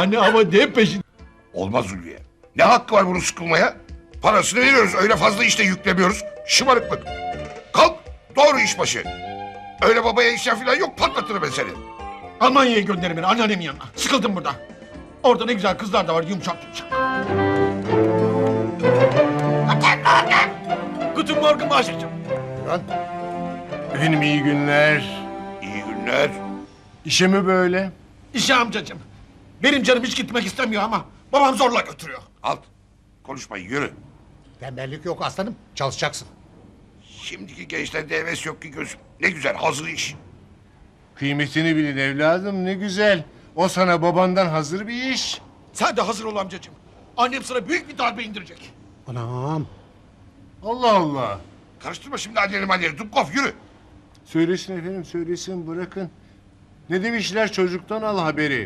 Anne ama ne peşin? Olmaz Ulviye. Ne hakkı var bunu sıkılmaya? Parasını veriyoruz, öyle fazla işte yüklemiyoruz. Şımarıklık. Kalk, doğru iş başı. Öyle babaya işler falan yok, patlatırım ben seni. Almanya'ya gönderin beni anneannemin yanına. Sıkıldım burada. Orada ne güzel kızlar da var yumuşak yumuşak. Guten Morgen Maşık'cığım. Efendim iyi günler. İyi günler. İşe mi böyle? İşe amcacığım. Benim canım hiç gitmek istemiyor ama babam zorla götürüyor. Alt, konuşmayın, yürü. Tembellik yok aslanım. Çalışacaksın. Şimdiki gençlerde heves yok ki gözüm. Ne güzel, hazır iş. Kıymetini bilin evladım ne güzel. O sana babandan hazır bir iş. Sen de hazır ol amcacığım. Annem sana büyük bir darbe indirecek. Anam. Allah Allah. Karıştırma şimdi anneni. Dubkov, yürü. Söylesin efendim söylesin bırakın. Ne demişler çocuktan al haberi.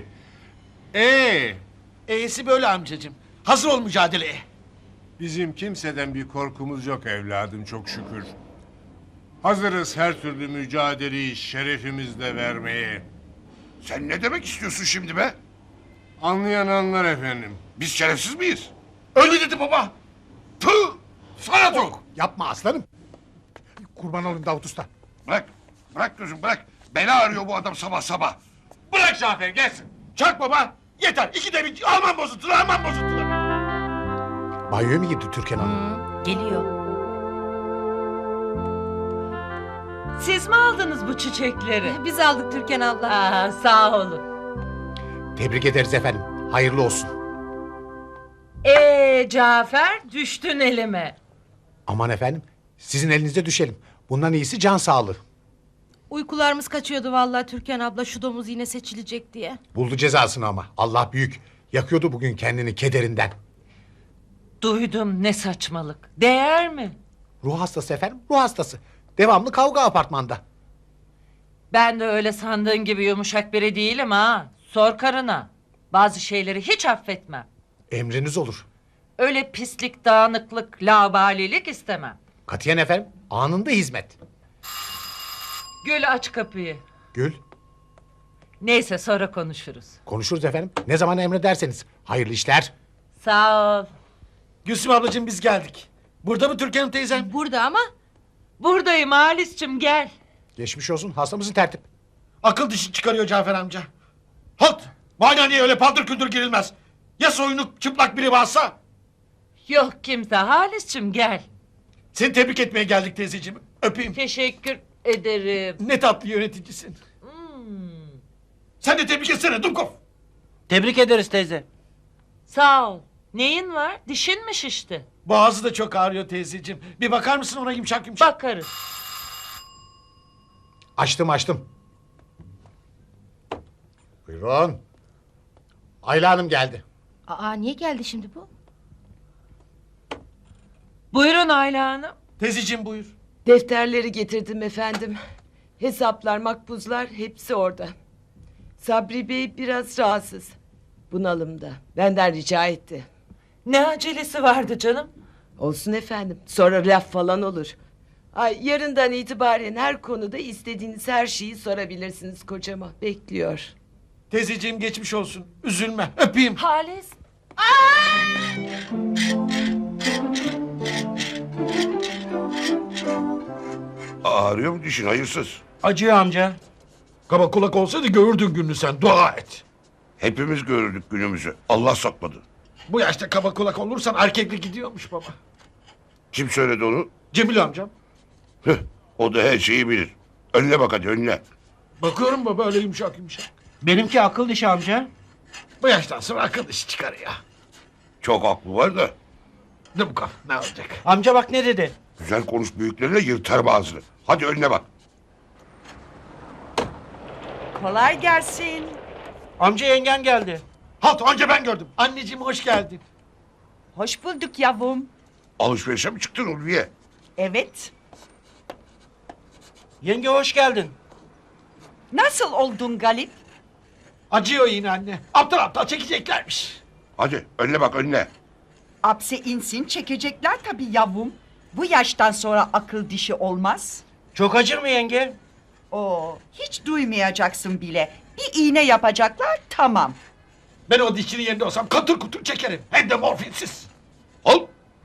E'si böyle amcacığım. Hazır ol mücadeleye. Bizim kimseden bir korkumuz yok evladım çok şükür. Hazırız her türlü mücadeleyi şerefimizle vermeye. Sen ne demek istiyorsun şimdi be? Anlayan anlar efendim. Biz şerefsiz miyiz? Öyle dedi baba. Tüh! Sana tok! Yapma aslanım. Kurban olayım Davut Usta. Bırak gözüm, bırak. Bela arıyor bu adam sabah sabah. Bırak Cafer gelsin. Çak baba. Yeter. İkide bir Alman bozuntuları. Banyoya mı girdi Türkan Hanım? Geliyor. Siz mi aldınız bu çiçekleri? Biz aldık Türkan abla. Aa, sağ olun. Tebrik ederiz efendim. Hayırlı olsun. Cafer düştün elime. Aman efendim. Sizin elinizde düşelim. Bundan iyisi can sağlığı. Uykularımız kaçıyordu vallahi Türkan abla şu domuz yine seçilecek diye. Buldu cezasını ama. Allah büyük. Yakıyordu bugün kendini kederinden. Duydum ne saçmalık. Değer mi? Ruh hastası efendim. Ruh hastası. Devamlı kavga apartmanda. Ben de öyle sandığın gibi yumuşak biri değilim ha. Sor karına. Bazı şeyleri hiç affetmem. Emriniz olur. Öyle pislik, dağınıklık, laubalilik istemem. Katiyen efendim. Anında hizmet. Gül aç kapıyı. Gül. Neyse sonra konuşuruz. Konuşuruz efendim. Ne zaman emrederseniz. Hayırlı işler. Sağ ol. Gülsüm ablacığım biz geldik. Burada mı Türkan teyzem? Burada ama Buradayım Halis'cim gel. Geçmiş olsun. Hastamızın tertip. Akıl dişi çıkarıyor Cafer amca. Halt! Muayeneye öyle paldır küldür girilmez. Ya soyunuk çıplak biri varsa? Yok kimse Halis'cim gel. Seni tebrik etmeye geldik teyzeciğim. Öpeyim. Teşekkür ederim. Ne tatlı yöneticisin. Sen de tebrik etsene Dumkov. Tebrik ederiz teyze. Sağ ol. Neyin var? Dişin mi şişti? Boğazı da çok ağrıyor teyzeciğim. Bir bakar mısın ona yumuşak yumuşak? Bakarız. Açtım. Buyurun. Ayla Hanım geldi. niye geldi şimdi bu? Buyurun Ayla Hanım. Teyzeciğim buyur. Defterleri getirdim efendim. Hesaplar, makbuzlar hepsi orada. Sabri Bey biraz rahatsız. Bunalımda. Benden rica etti. Ne acelesi vardı canım? Olsun efendim. Sonra laf falan olur. Ay yarından itibaren her konuda istediğiniz her şeyi sorabilirsiniz kocama. Bekliyor. Teyzeciğim geçmiş olsun. Üzülme. Öpeyim. Halis. Ağrıyor mu dişin, hayırsız? Acıyor amca. Kaba kulak olsaydı görürdün gününü sen. Dua et. Hepimiz gördük günümüzü. Allah sakmadı. Bu yaşta kaba kulak olursan erkeklik gidiyormuş baba. Kim söyledi onu? Cemil amcam. Hıh, o da her şeyi bilir. Önüne bak hadi, önüne. Bakıyorum baba öyle yumuşak yumuşak. Benimki akıl dişi amca. Bu yaştan sonra akıl işi çıkarıyor. Çok aklı var da. Dumkov ne olacak? Amca bak ne dedi. Güzel konuş büyüklerine, yırtarım ağzını. Hadi önüne bak. Kolay gelsin. Amca yengen geldi. Halt önce ben gördüm. Anneciğim hoş geldin. Hoş bulduk yavrum. Alışverişe mi çıktın Ulviye? Evet. Yenge hoş geldin. Nasıl oldun Galip? Acıyor yine anne. Aptal aptal çekeceklermiş. Hadi önüne bak, önüne. Apse insin çekecekler tabii yavrum. Bu yaştan sonra akıl dişi olmaz. Çok acır mı yenge? Oo, hiç duymayacaksın bile. Bir iğne yapacaklar tamam. Ben o dişçinin yerinde olsam katır kutur çekerim. Hem de morfinsiz. Al.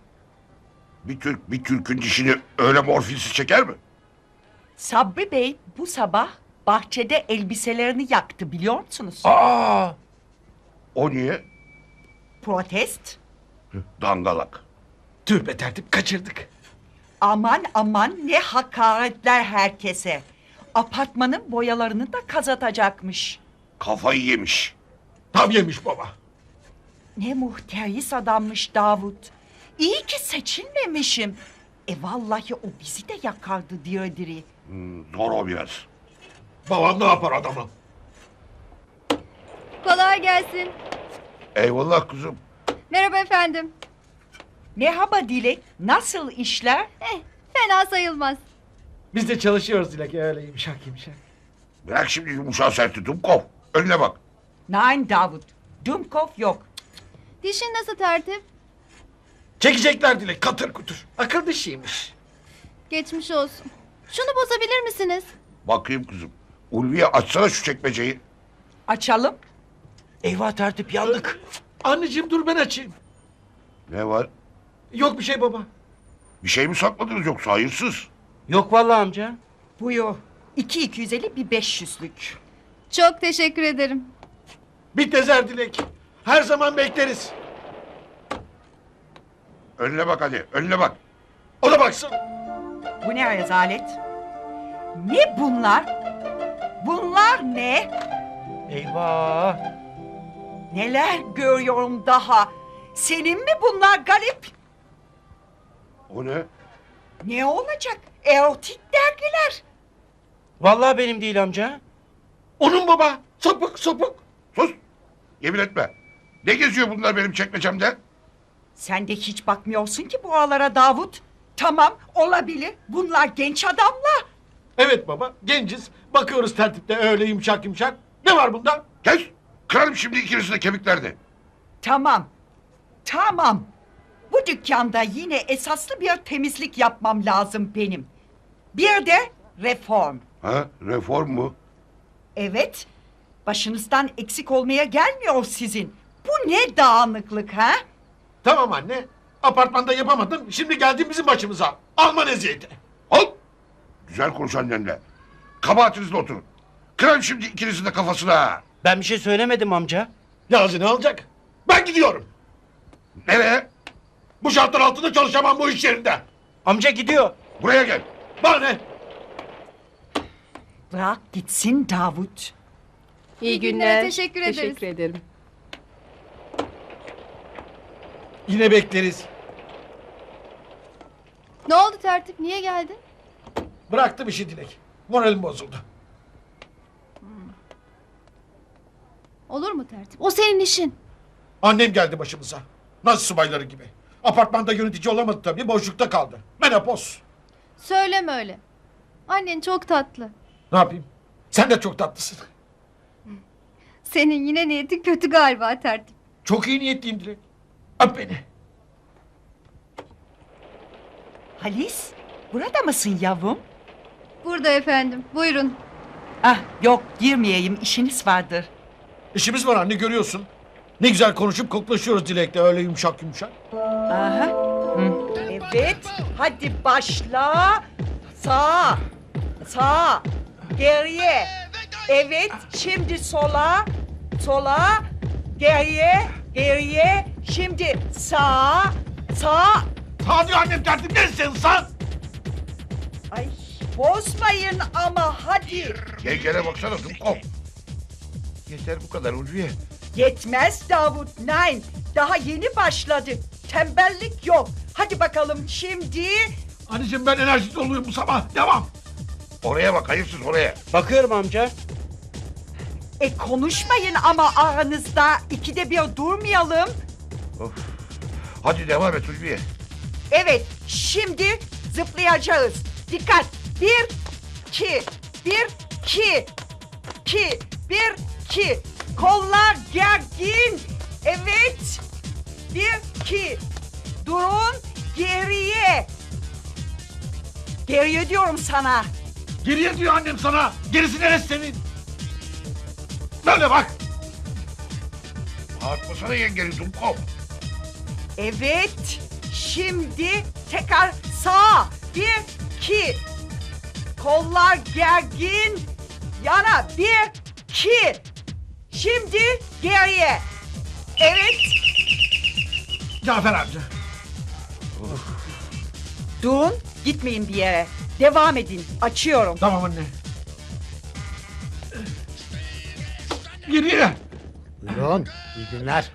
Bir Türk'ün dişini öyle morfinsiz çeker mi? Sabri Bey bu sabah bahçede elbiselerini yaktı biliyor musunuz? Aa! O niye? Protest. Dangalak. Tüh be tertip, kaçırdık. Aman aman ne hakaretler herkese. Apartmanın boyalarını da kazatacakmış. Kafayı yemiş. Tam yemiş baba. Ne muhteris adammış Davut. İyi ki seçilmemişim. Vallahi o bizi de yakardı diri diri. Zor o biraz. Babam ne yapar adamı? Kolay gelsin. Eyvallah kızım. Merhaba efendim. Merhaba Dilek. Nasıl işler? Fena sayılmaz. Biz de çalışıyoruz Dilek, öyle yumuşak yumuşak. Bırak şimdi yumuşağı serti Dumkov. Önüne bak. Nein Davut. Dumkov yok. Dişin nasıl tertip? Çekecekler Dilek, katır kutur. Akıl dişiymiş. Geçmiş olsun. Şunu bozabilir misiniz? Bakayım kızım. Ulviye açsana şu çekmeceyi. Açalım. Eyvah tertip yandık. Anneciğim dur ben açayım. Ne var? Yok bir şey baba. Bir şey mi sakladınız yoksa hayırsız? Yok vallahi amca. Buyur. 250 bir 500'lük. Çok teşekkür ederim. Bitmezer Dilek. Her zaman bekleriz. Önüne bak hadi. Önüne bak. O da baksın. Bu ne rezalet? Ne bunlar? Bunlar ne? Eyvah. Neler görüyorum daha? Senin mi bunlar Galip? O ne? Ne olacak? Erotik dergiler. Vallahi benim değil amca. Onun baba. Sapık sapık. Sus. Yemin etme. Ne geziyor bunlar benim çekmecemde? Sen de hiç bakmıyorsun ki buralara Davut. Tamam olabilir. Bunlar genç adamlar. Evet baba, genciz. Bakıyoruz tertipte öyle yumuşak yumuşak. Ne var bunda? Kes. Kırarım şimdi ikinizin de kemiklerini. Tamam. Tamam. Bu dükkanda yine esaslı bir temizlik yapmam lazım benim. Bir de reform. Ha? Reform mu? Evet. Başınızdan eksik olmaya gelmiyor sizin. Bu ne dağınıklık ha? Tamam anne. Apartmanda yapamadın. Şimdi geldin bizim başımıza. Alman eziyeti. Al. Güzel konuş annenle. Kabahatinizle oturun. Kırarım şimdi ikinizin de kafasına. Ben bir şey söylemedim amca. Yazı ne olacak? Ben gidiyorum. Nereye? Bu şartlar altında çalışamam bu iş yerinde. Amca gidiyor. Buraya gel. Bana ne? Bırak gitsin Davut. İyi günler. Teşekkür ederiz. Teşekkür ederim. Yine bekleriz. Ne oldu tertip? Niye geldin? Bıraktım işi Dilek. Moralim bozuldu. Olur mu tertip? O senin işin. Annem geldi başımıza. Nasıl subayları gibi. Apartmanda yönetici olamadı tabii. Boşlukta kaldı. Menopoz. Söyleme öyle. Annen çok tatlı. Ne yapayım? Sen de çok tatlısın. Senin yine niyetin kötü galiba tertip. Çok iyi niyetliyim Dilek. Öp beni. Halis, burada mısın yavrum? Burada efendim. Buyurun. Ah yok girmeyeyim işiniz vardır. İşimiz var anne, görüyorsun. Ne güzel konuşup koklaşıyoruz Dilek'le öyle yumuşak yumuşak. Aha. Evet hadi başla. Sağa. Sağa. Geriye. Evet şimdi sola. Sola. Geriye. Geriye. Şimdi sağa. Sağa. Sağ diyor annem, tertip ne sen sağ? Ay bozmayın ama hadi. Yengene baksana Dumkov. Yeter bu kadar Ulviye. Yetmez Davut. Nein. Daha yeni başladık. Tembellik yok. Hadi bakalım şimdi. Anneciğim ben enerjik doluyum bu sabah. Devam. Oraya bak hayırsız oraya. Bakıyorum amca. Konuşmayın ama aranızda. İkide bir durmayalım. Of. Hadi devam et Ulviye. Evet, şimdi zıplayacağız. Dikkat. 1, 2, 1, 2, 2, 1, 2. Kollar gergin. Evet. 1, 2. Durun. Geriye. Geriye diyorum sana. Geriye diyor annem sana. Gerisi neresi senin? Böyle bak. Atmasana yengeni Dumkov. Evet. Şimdi tekrar sağa. 1, 2. Kollar gergin. Yana. 1, 2. Şimdi geriye. Evet. Cafer amca. Durun. Gitmeyin bir yere. Devam edin. Açıyorum. Tamam anne. Geriye. Buyurun. İyi günler.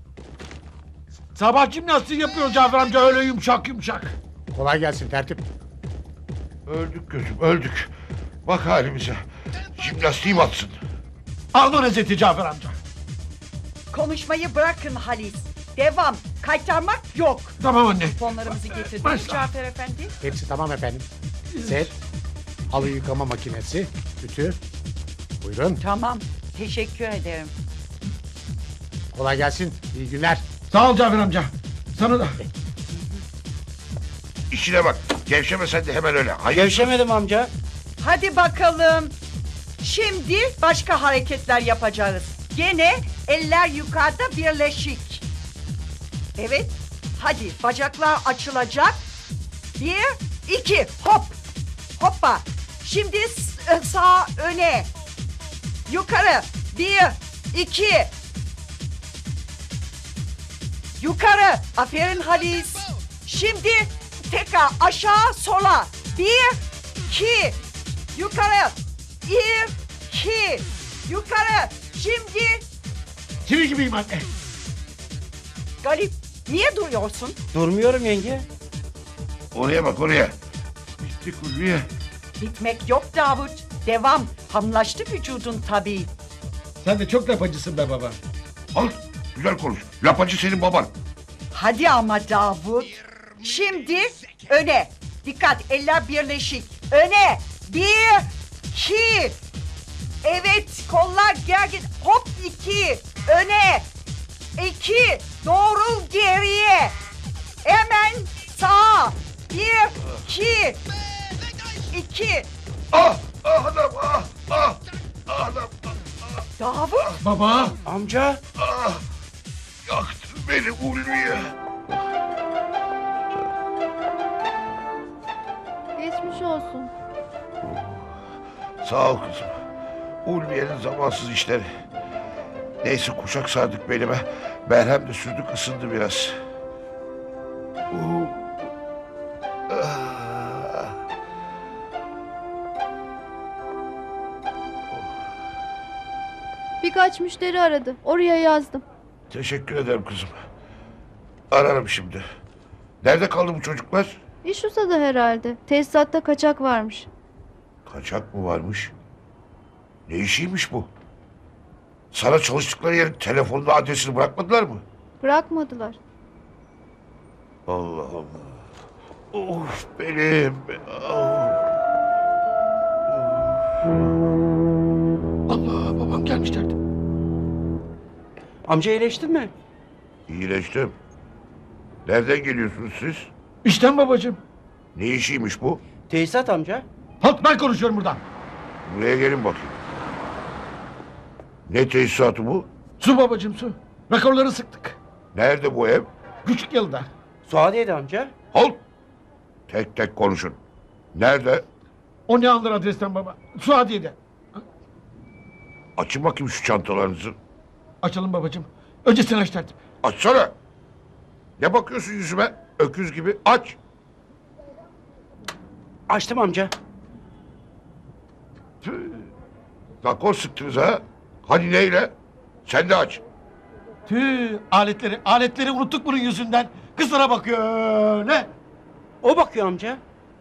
Sabah jimnastiği yapıyor Cafer amca öyle yumuşak yumuşak. Kolay gelsin tertip. Öldük gözüm öldük. Bak halimize. Jimnastiğim atsın. Alma nezeti Cafer amca. Konuşmayı bırakın Halis. Devam. Kaytarmak yok. Tamam anne. Fonlarımızı getirdiniz Başla. Cafer Efendi. Hepsi tamam efendim. Set, halı yıkama makinesi, ütü. Buyurun. Tamam. Teşekkür ederim. Kolay gelsin. İyi günler. Sağ ol Cafer amca. Sana da. İşine bak. Gevşeme sen de hemen öyle. Hayır. Gevşemedim amca. Hadi bakalım. Şimdi başka hareketler yapacağız. Gene eller yukarıda birleşik. Evet. Hadi bacaklar açılacak. 1, 2 hop. Hoppa. Şimdi sağ öne. Yukarı. 1, 2. Yukarı. Aferin Halis. Şimdi tekrar aşağı sola. 1, 2. Yukarı. 1, 2. Yukarı. Şimdi Çivi gibiyim anne. Galip niye duruyorsun? Durmuyorum yenge. Oraya bak oraya. Bitti Ulviye. Bitmek yok Davut. Devam. Hamlaştı vücudun tabii. Sen de çok lapacısın be baba. Al. Güzel konuş. Lapacı senin baban. Hadi ama Davut. Şimdi öne. Dikkat eller birleşik. Öne. 1, 2. Evet kollar gergin. Hop 2. Öne. 2. Doğru geriye. Hemen sağa. 1, 2. 2. Ah! Ah adam! Ah! Ah! Ah adam! Davut. Baba. Amca. Ah! Yaktın beni Ulviye. Geçmiş olsun. Sağ ol kızım. Ulviye'nin zamansız işleri. Neyse kuşak sardık belime. Merhem de sürdük ısındı biraz. Ah. Birkaç müşteri aradı. Oraya yazdım. Teşekkür ederim kızım. Ararım şimdi. Nerede kaldı bu çocuklar? İş uzadı herhalde. Tesisatta kaçak varmış. Kaçak mı varmış? Ne işiymiş bu? Sana çalıştıkları yerin telefonda adresini bırakmadılar mı? Bırakmadılar. Allah Allah. Of benim. Allah babam gelmişlerdi. Amca iyileştin mi? İyileştim. Nereden geliyorsunuz siz? İşten babacığım. Ne işiymiş bu? Tesisat amca. Halt ben konuşuyorum buradan. Buraya gelin bakayım. Ne tesisatı bu? Su babacığım su. Rekorları sıktık. Nerede bu ev? Küçük yılda. Suadiye'de amca. Halt! Tek tek konuşun. Nerede? O ne alır adresten baba? Suadiye'de. Açın bakayım şu çantalarınızı. Açalım babacığım. Önce sen aç tertip. Açsana. Ne bakıyorsun yüzüme? Öküz gibi. Aç. Açtım amca. Tüh. Rakor sıktınız ha? Hani neyle? Sen de aç. Tüh aletleri unuttuk bunun yüzünden. Kızlara bakıyor öyle. O bakıyor amca.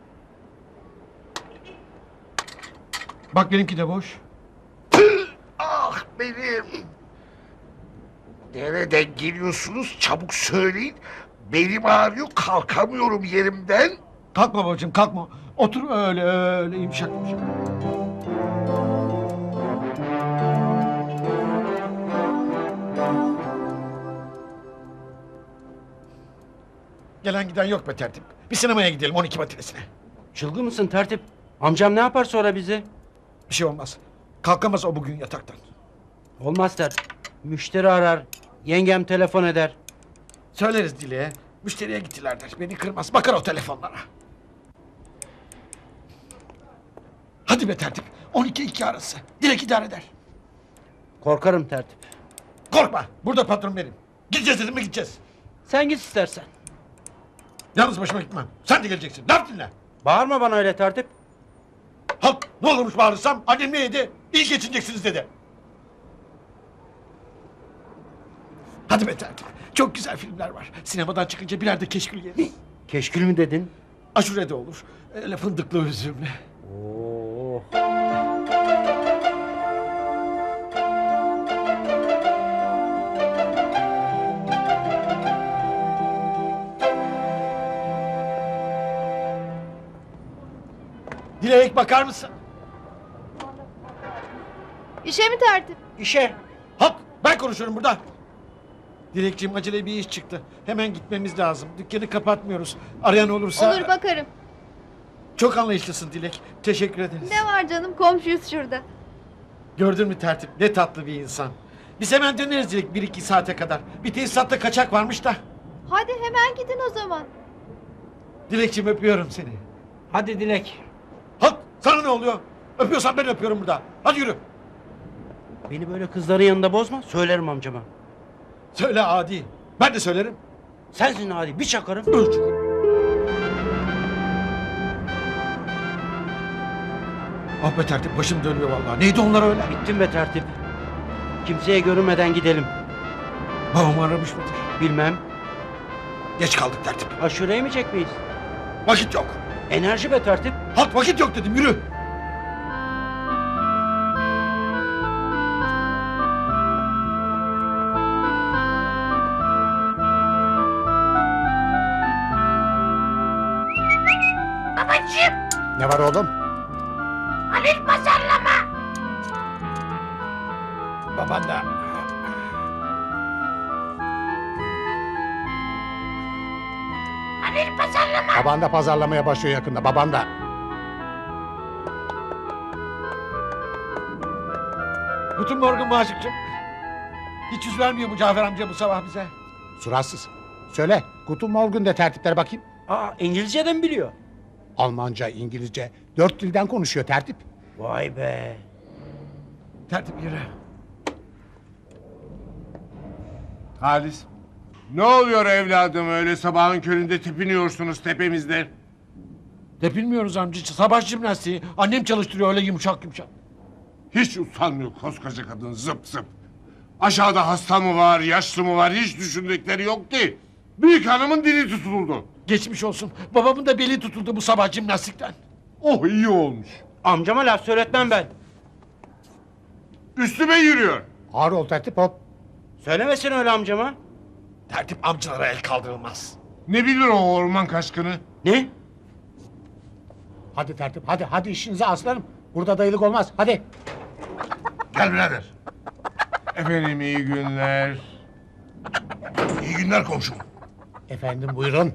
Bak benimki de boş. Ah benim. Nereden geliyorsunuz? Çabuk söyleyin. Belim ağrıyor. Kalkamıyorum yerimden. Kalkma babacığım kalkma. Otur öyle yumuşak yumuşak. Gelen giden yok be tertip. Bir sinemaya gidelim 12 matinesine. Çılgın mısın tertip? Amcam ne yapar sonra bizi? Bir şey olmaz. Kalkamaz o bugün yataktan. Olmaz tertip. Müşteri arar. Yengem telefon eder. Söyleriz Dilek'e. Müşteriye gittiler der. Beni kırmaz. Bakar o telefonlara. Hadi be tertip. 12-2 arası. Dilek idare eder. Korkarım tertip. Korkma. Burada patron benim. Gideceğiz dedim mi gideceğiz. Sen git istersen. Yalnız başıma gitmem. Sen de geleceksin. Laf dinle. Bağırma bana öyle tertip. Halk ne olurmuş bağırırsam annem ne yedi? İyi geçineceksiniz dedi. Hadi be tertip. Çok güzel filmler var. Sinemadan çıkınca birer de keşkül yeriz. Keşkül mü dedin? Aşure de olur. Öyle fındıklı üzümlü. Oo. Dilek bakar mısın? İşe mi tertip? İşe. Halk ben konuşuyorum burada. Dilekciğim acele bir iş çıktı. Hemen gitmemiz lazım. Dükkanı kapatmıyoruz. Arayan olursa... Olur bakarım. Çok anlayışlısın Dilek. Teşekkür ederiz. Ne var canım, komşuyuz şurada. Gördün mü tertip? Ne tatlı bir insan. Biz hemen döneriz Dilek 1-2 saate kadar. Bir tesisatta kaçak varmış da. Hadi hemen gidin o zaman. Dilekciğim öpüyorum seni. Hadi Dilek. Halk sana ne oluyor? Öpüyorsan ben öpüyorum burada. Hadi yürü. Beni böyle kızların yanında bozma. Söylerim amcama. Söyle adi. Ben de söylerim. Sensin hadi bir çakarım. Üç. Ah be tertip başım dönüyor vallahi. Neydi onlar öyle? Bittim be tertip. Kimseye görünmeden gidelim. Babam aramış mıdır? Bilmem. Geç kaldık tertip. Aşure yemeyecek miyiz? Vakit yok. Enerji be tertip. Halk vakit yok dedim yürü. Ne var oğlum? Halil pazarlama. Baban da. Halil pazarlama. Baban da pazarlamaya başlıyor yakında. Baban da. Bütün morgun Maşıkçım. Hiç yüz vermiyor bu Cafer amca bu sabah bize. Suratsız. Söyle. Guten Morgen de tertiplere bakayım. Aa İngilizceden biliyor. Almanca, İngilizce. 4 dilden konuşuyor tertip. Vay be. Tertip yürü. Halis. Ne oluyor evladım öyle sabahın köründe tepiniyorsunuz tepemizde? Tepinmiyoruz amca. Sabah jimnastiği. Annem çalıştırıyor öyle yumuşak yumuşak. Hiç utanmıyor koskoca kadın zıp zıp. Aşağıda hasta mı var, yaşlı mı var hiç düşündükleri yok ki. Büyük hanımın dili tutuldu. Geçmiş olsun. Babamın da beli tutuldu bu sabah jimnastikten. Oh iyi olmuş. Amcama laf söyletmem ben. Üstüme yürüyor. Ağır ol tertip hop. Söylemesin öyle amcama. Tertip amcalara el kaldırılmaz. Ne bilir o orman kaşkını? Ne? Hadi tertip hadi. Hadi işinize aslanım. Burada dayılık olmaz. Hadi. Gel birader. Efendim iyi günler. İyi günler komşum. Efendim buyurun.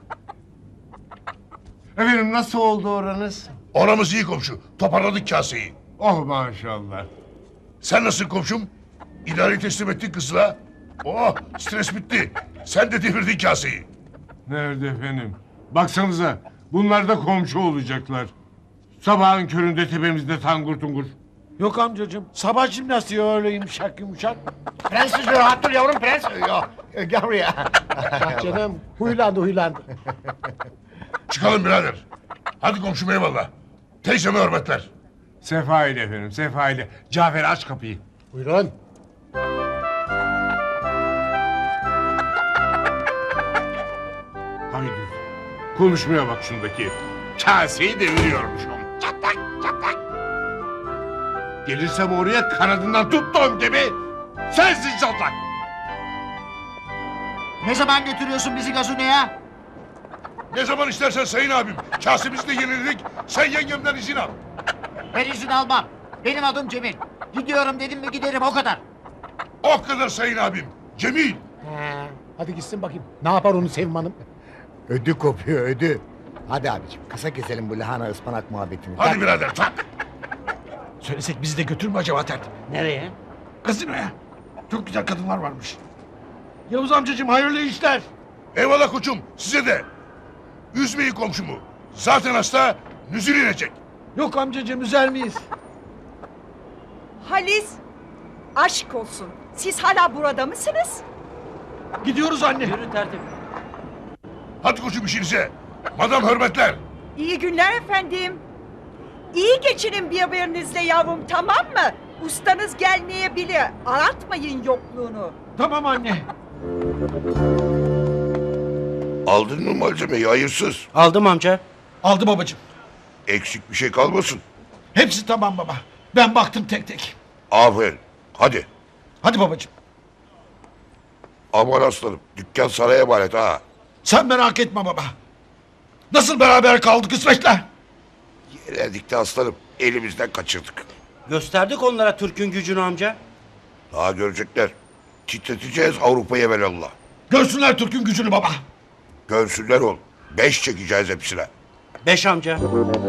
Efendim nasıl oldu oranız? Oramız iyi komşu. Toparladık kaseyi. Oh maşallah. Sen nasılsın komşum? İdareyi teslim ettin kızla. Oh stres bitti. Sen de devirdin kaseyi. Nerede efendim? Baksanıza bunlar da komşu olacaklar. Sabahın köründe tepemizde tangur tungur. Yok amcacığım. Sabah jimnastiği öyle yumuşak yumuşak. Prenses rahat dur yavrum prens. Gel buraya. Canım huylandı. Çıkalım birader. Hadi komşum eyvallah. Teyzeme hürmetler. Sefa ile efendim sefa ile. Cafer aç kapıyı. Buyurun. Haydi. Konuşmaya bak şundaki. Kaseyi deviriyormuş o. Çatlak çatlak. Gelirsem oraya kanadından tuttuğum gibi sensin çatlak. Ne zaman götürüyorsun bizi gazinoya? Ne zaman istersen sayın abim. Kasemizi de yeniledik. Sen yengemden izin al. Ben izin almam. Benim adım Cemil. Gidiyorum dedim mi giderim o kadar. O kadar sayın abim. Cemil. Hadi gitsin bakayım. Ne yapar onu Sevim Hanım? Ödü kopuyor ödü. Hadi abicim kısa keselim bu lahana ıspanak muhabbetini. Hadi birader tak. Söylesek bizi de götür mü acaba tertip? Nereye? Gazinoya. Çok güzel kadınlar varmış. Yavuz amcacığım hayırlı işler. Eyvallah koçum size de. Üzmeyin komşumu. Zaten hasta nüzül inecek. Yok amcacığım üzer miyiz? Halis, aşk olsun. Siz hala burada mısınız? Gidiyoruz anne. Yürü tertip. Hadi koçum işinize. Madam hürmetler. İyi günler efendim. İyi geçinin birbirinizle yavrum, tamam mı? Ustanız gelmeyebilir. Aratmayın yokluğunu. Tamam anne. Aldın mı malzemeyi hayırsız? Aldım amca. Aldı babacığım. Eksik bir şey kalmasın. Hepsi tamam baba. Ben baktım tek tek. Aferin. Hadi. Hadi babacığım. Aman aslanım. Dükkan sana emanet ha. Sen merak etme baba. Nasıl beraber kaldık kısmetle? Yenildik de aslanım. Elimizden kaçırdık. Gösterdik onlara Türk'ün gücünü amca. Daha görecekler. Titreteceğiz Avrupa'yı evvelallah. Görsünler Türk'ün gücünü baba. Görsünler oğlum. 5 çekeceğiz hepsine. 5 amca.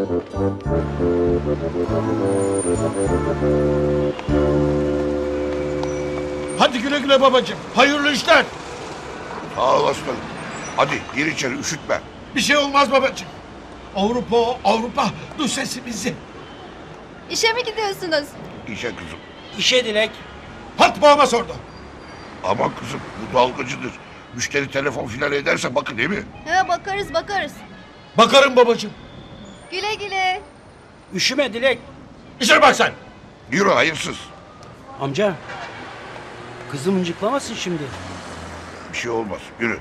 Hadi güle güle babacığım. Hayırlı işler. Sağ ol aslanım. Hadi gir içeri üşütme. Bir şey olmaz babacığım. Avrupa, Avrupa. Duy sesimizi. İşe mi gidiyorsunuz? İşe kızım. İşe Dilek. Hat babama sordu. Aman kızım bu dalgacıdır. Müşteri telefon filan ederse bakın değil mi? He bakarız bakarız. Bakarım babacığım. Güle güle. Üşüme Dilek. İşe bak sen. Yürü hayırsız. Amca. Kızım mıncıklamasın şimdi. Bir şey olmaz. Yürü.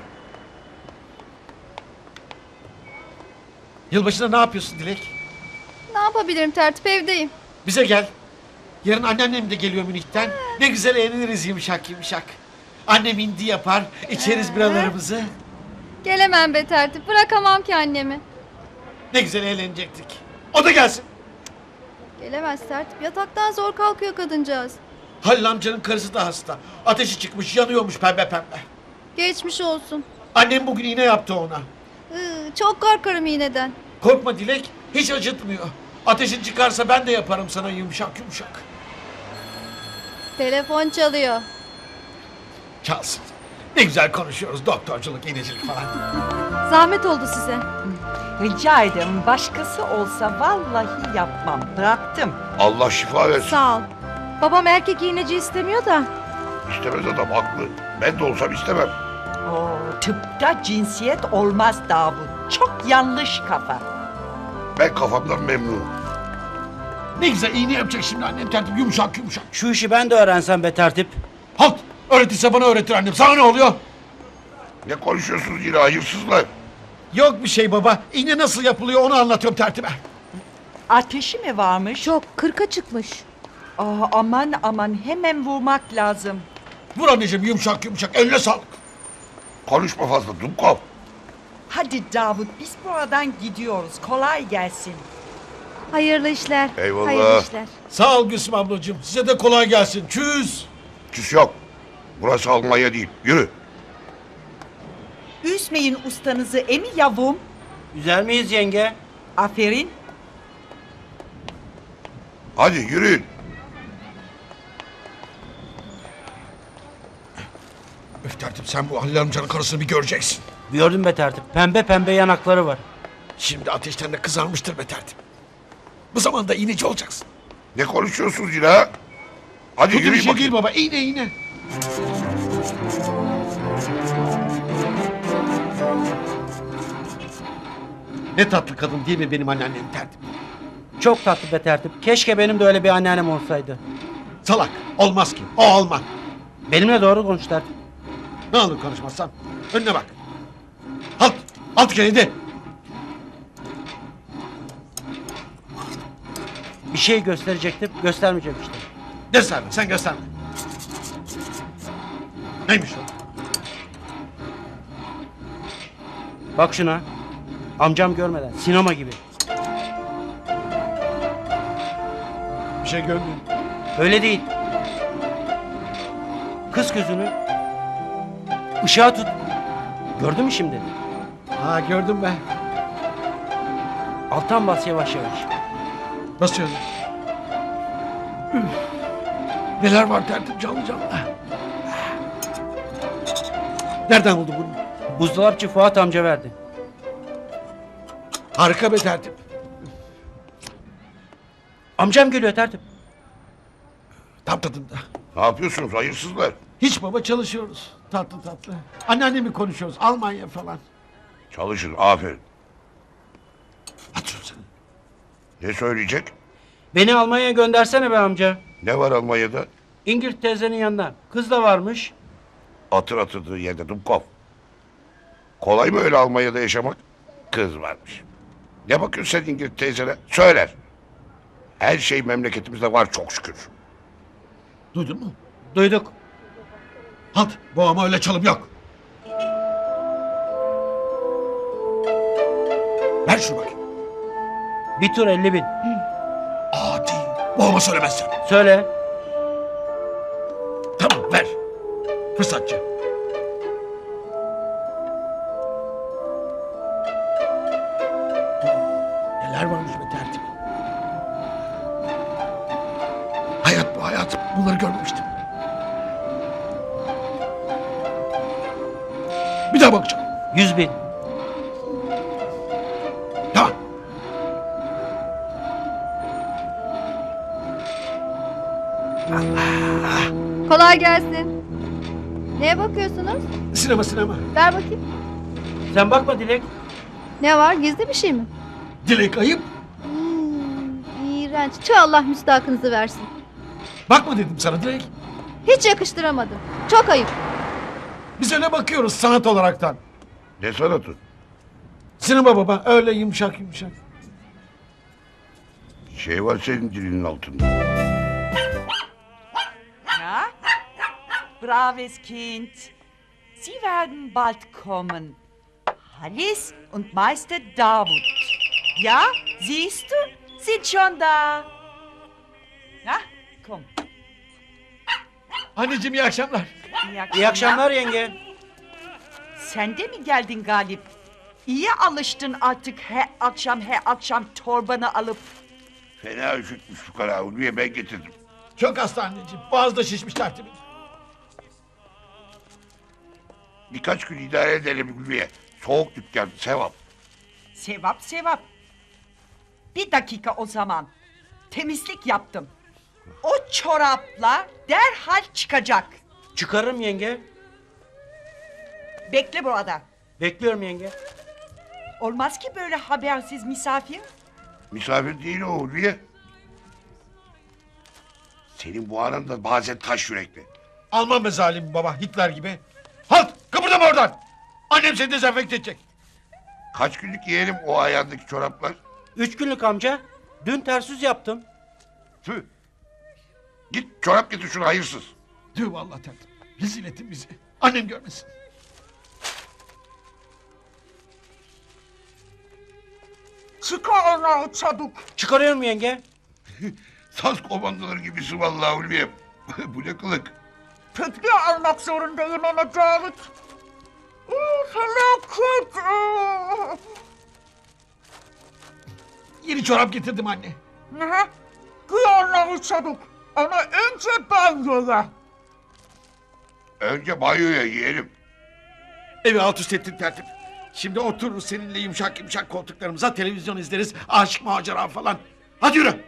Yılbaşında ne yapıyorsun Dilek? Ne yapabilirim tertip, evdeyim. Bize gel. Yarın anneannem de geliyor Münih'ten. Ne güzel eğleniriz yumuşak yumuşak. Annem indi yapar, içeriz biralarımızı. Gelemem be tertip, bırakamam ki annemi. Ne güzel eğlenecektik. O da gelsin. Gelemez tertip, yataktan zor kalkıyor kadıncağız. Halil amcanın karısı da hasta. Ateşi çıkmış, yanıyormuş pembe pembe. Geçmiş olsun. Annem bugün iğne yaptı ona. Çok korkarım iğneden. Korkma Dilek, hiç acıtmıyor. Ateşin çıkarsa ben de yaparım sana yumuşak yumuşak. Telefon çalıyor. Çalsın. Ne güzel konuşuyoruz, doktorculuk, iğnecilik falan. Zahmet oldu size. Rica ederim, başkası olsa vallahi yapmam. Bıraktım. Allah şifa versin. Sağ ol. Babam erkek iğneci istemiyor da. İstemez adam haklı. Ben de olsam istemem. Oo, tıpta cinsiyet olmaz Davut. Çok yanlış kafa. Ben kafamdan memnunum. Ne güzel iğne yapacak şimdi annem tertip, yumuşak yumuşak. Şu işi ben de öğrensem be tertip. Halt! Öğretirse bana öğretir annem. Sana ne oluyor? Ne konuşuyorsunuz yine hayırsızlar? Yok bir şey baba. İğne nasıl yapılıyor onu anlatıyorum tertibe. Ateşi mi varmış? Çok 40'a çıkmış. Aa, aman aman, hemen vurmak lazım. Vur anneciğim yumuşak yumuşak. Eline sağlık. Konuşma fazla Dumkov. Hadi Davut, biz buradan gidiyoruz. Kolay gelsin. Hayırlı işler. Eyvallah. Hayırlı işler. Sağ ol Gülsüm ablacığım. Size de kolay gelsin. Çüz. Küs yok. Burası Almanya değil. Yürü. Üzmeyin ustanızı emi yavrum. Üzer miyiz yenge? Aferin. Hadi yürüyün. Öf tertip sen bu Halil amcanın karısını bir göreceksin. Gördüm be tertip. Pembe pembe yanakları var. Şimdi ateşten de kızarmıştır be tertip. Bu zamanda iğneci olacaksın. Ne konuşuyorsunuz yine ha? Hadi Kötü bir yürüyün şey bakayım. değil baba. İğne iğne. Ne tatlı kadın değil mi benim anneannem tertip? Çok tatlı be tertip. Keşke benim de öyle bir anneannem olsaydı. Salak. Olmaz ki. O olmaz. Benimle doğru konuş tertip. Ne olur konuşmazsan. Önüne bak. Halt. Halt geldi. Bir şey gösterecektim. Göstermeyeceğim işte. Gösterme. Sen gösterme. Neymiş o? Bak şuna. Amcam görmeden. Sinema gibi. Bir şey görmüyorum. Öyle değil. Kız gözünü. Işığa tut. Gördün mü şimdi? Ha gördüm ben. Alttan bas yavaş yavaş. Basıyorum. Üf. Neler var tertip canlı canlı. Nereden buldu bunu? Buzdolapçı Fuat amca verdi. Harika be tertip. Amcam geliyor tertip. Tam tadında. Ne yapıyorsunuz hayırsızlar? Hiç baba çalışıyoruz. Tatlı tatlı. Anneannemi konuşuyoruz. Almanya falan. Çalışın aferin. Patron sen. Ne söyleyecek? Beni Almanya'ya göndersene be amca. Ne var Almanya'da? İngiliz teyzenin yanına. Kız da varmış. Atır atırdığı yerde Dumkov. Kolay mı öyle Almanya'da yaşamak? Kız varmış. Ne bakıyorsun sen İngiliz teyzene? Söyler. Her şey memleketimizde var çok şükür. Duydun mu? Duyduk. Halt. Boğama öyle çalım yok. Ver şunu bakayım. Bir tur 50.000. Adi. Boğama söylemezsen. Söyle. Tamam ver. Fırsatçı. Neler varmış be tertip. Hayat bu hayat. Bunları görmemiştim. Bir daha bakacağım. 100.000. Tamam. Kolay gelsin. Neye bakıyorsunuz? Sinema sinema. Ver bakayım. Sen bakma Dilek. Ne var? Gizli bir şey mi? Dilek ayıp. İğrenç. Tüh, Allah müstahakınızı versin. Bakma dedim sana Dilek. Hiç yakıştıramadım. Çok ayıp. Biz öyle bakıyoruz sanat olaraktan. Ne sanatı? Sinema baba öyle yumuşak yumuşak. Şey var senin dilinin altında. Ja? Braves Kind. Sie werden bald kommen. Hallis und Meister Davut. Ja, siehst du? Sind schon da. Ja, komm. Anneciğim iyi akşamlar. İyi akşamlar yenge. Sen de mi geldin Galip? İyi alıştın artık her akşam torbanı alıp. Fena üşütmüş fukara Ulviye ben getirdim. Çok hasta anneciğim. Boğazda şişmiş tertibim. Birkaç gün idare edelim Ulviye. Soğuk dükkan sevap. Sevap sevap. Bir dakika o zaman. Temizlik yaptım. O çorapla derhal çıkacak. Çıkarırım yenge. Bekle burada. Bekliyorum yenge. Olmaz ki böyle habersiz misafir. Misafir değil o Ulviye. Senin bu anan da bazen taş yürekli. Alman be zalim baba Hitler gibi. Halt kıpırdama oradan. Annem seni dezenfekte edecek. Kaç günlük yiyelim o ayağındaki çoraplar? 3 günlük amca. Dün ters yüz yaptım. Tüh. Git çorap getir şunu hayırsız. Tüh vallahi tertip. Rezil ettin bizi. Annem görmesin. Çıkar onu çabuk. Çıkarıyorum yenge. Saz komandoları gibisin vallahi Ulviye. Bu ne kılık? Tekne almak zorundayım ama Davut. Felaket. Yeni çorap getirdim anne. Giy onları çabuk. Ama önce banyoya. Önce banyoya yiyelim. Evi alt üst ettin tertip. Şimdi otururuz seninle yumuşak yumuşak koltuklarımıza televizyon izleriz. Aşk macera falan. Hadi yürü.